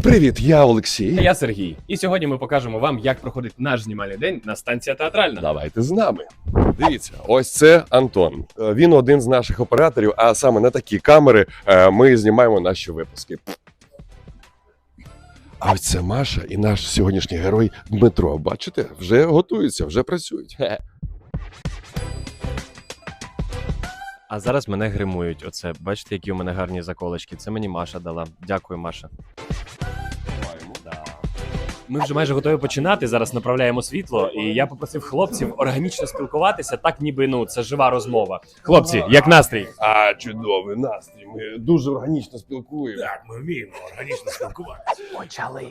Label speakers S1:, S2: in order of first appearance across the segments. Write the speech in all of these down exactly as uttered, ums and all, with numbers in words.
S1: Привіт, я Олексій.
S2: А я Сергій. І сьогодні ми покажемо вам, як проходить наш знімальний день на станція театральна.
S1: Давайте з нами. Дивіться, ось це Антон. Е, Він один з наших операторів, а саме на такі камери е, ми знімаємо наші випуски. А ось це Маша і наш сьогоднішній герой Дмитро. Бачите, вже готуються, вже працюють. Хе.
S3: А зараз мене гримують. Оце, бачите, які у мене гарні заколочки. Це мені Маша дала. Дякую, Маша.
S2: Ми вже майже готові починати. Зараз направляємо світло. І я попросив хлопців органічно спілкуватися, так ніби ну це жива розмова. Хлопці, як настрій?
S1: А, чудовий настрій. Ми дуже органічно спілкуємо.
S4: Так, ми вміємо органічно спілкуватися.
S2: Почали.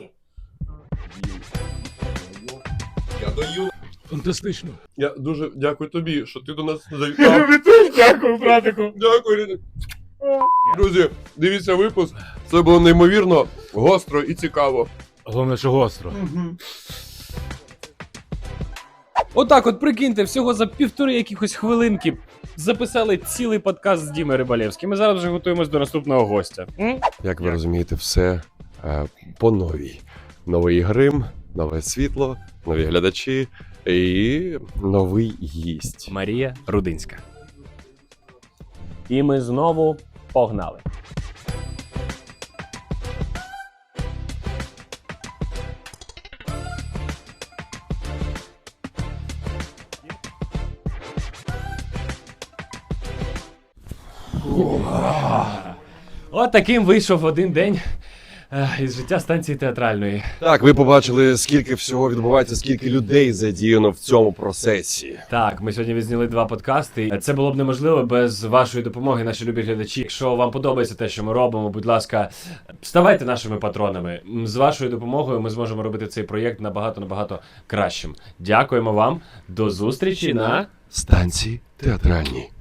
S1: Я даю.
S4: Фантастично.
S1: Я дуже дякую тобі, що ти до нас завітав.
S4: Дякую, братику.
S1: Дякую, Ріна. Друзі, дивіться випуск. Це було неймовірно гостро і цікаво.
S4: Головне, що гостро.
S2: Отак, от прикиньте, всього за півтори якихось хвилинки записали цілий подкаст з Дімою Рибалєвським. Ми зараз вже готуємось до наступного гостя. М?
S1: Як ви розумієте, все е, по новій. Новий грим, нове світло, нові глядачі і новий гість.
S2: Марія Рудинська. І ми знову погнали. От таким вийшов один день е, із життя станції театральної.
S1: Так, ви побачили, скільки всього відбувається, скільки людей задіяно в цьому процесі.
S2: Так, ми сьогодні відзняли два подкасти. Це було б неможливо без вашої допомоги, наші любі глядачі. Якщо вам подобається те, що ми робимо, будь ласка, ставайте нашими патронами. З вашою допомогою ми зможемо робити цей проєкт набагато-набагато кращим. Дякуємо вам. До зустрічі на
S1: Станції театральні.